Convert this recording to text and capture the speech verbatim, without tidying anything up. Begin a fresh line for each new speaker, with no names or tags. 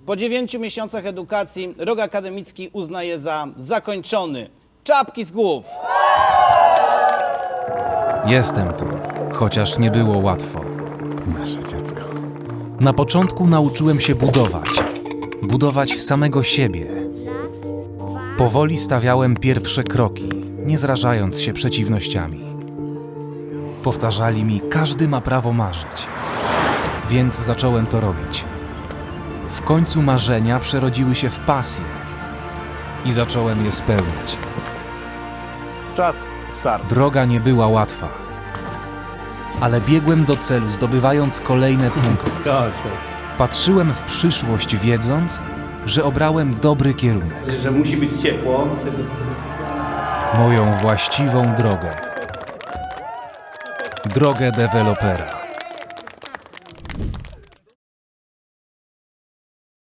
Po dziewięciu miesiącach edukacji rok akademicki uznaje za zakończony. Czapki z głów!
Jestem tu, chociaż nie było łatwo.
Nasze dziecko.
Na początku nauczyłem się budować. Budować samego siebie. Powoli stawiałem pierwsze kroki, nie zrażając się przeciwnościami. Powtarzali mi, każdy ma prawo marzyć. Więc zacząłem to robić. W końcu marzenia przerodziły się w pasję. I zacząłem je spełniać.
Czas start.
Droga nie była łatwa. Ale biegłem do celu, zdobywając kolejne punkty. Patrzyłem w przyszłość, wiedząc, że obrałem dobry kierunek.
Że musi być ciepło.
Moją właściwą drogę. Drogę dewelopera.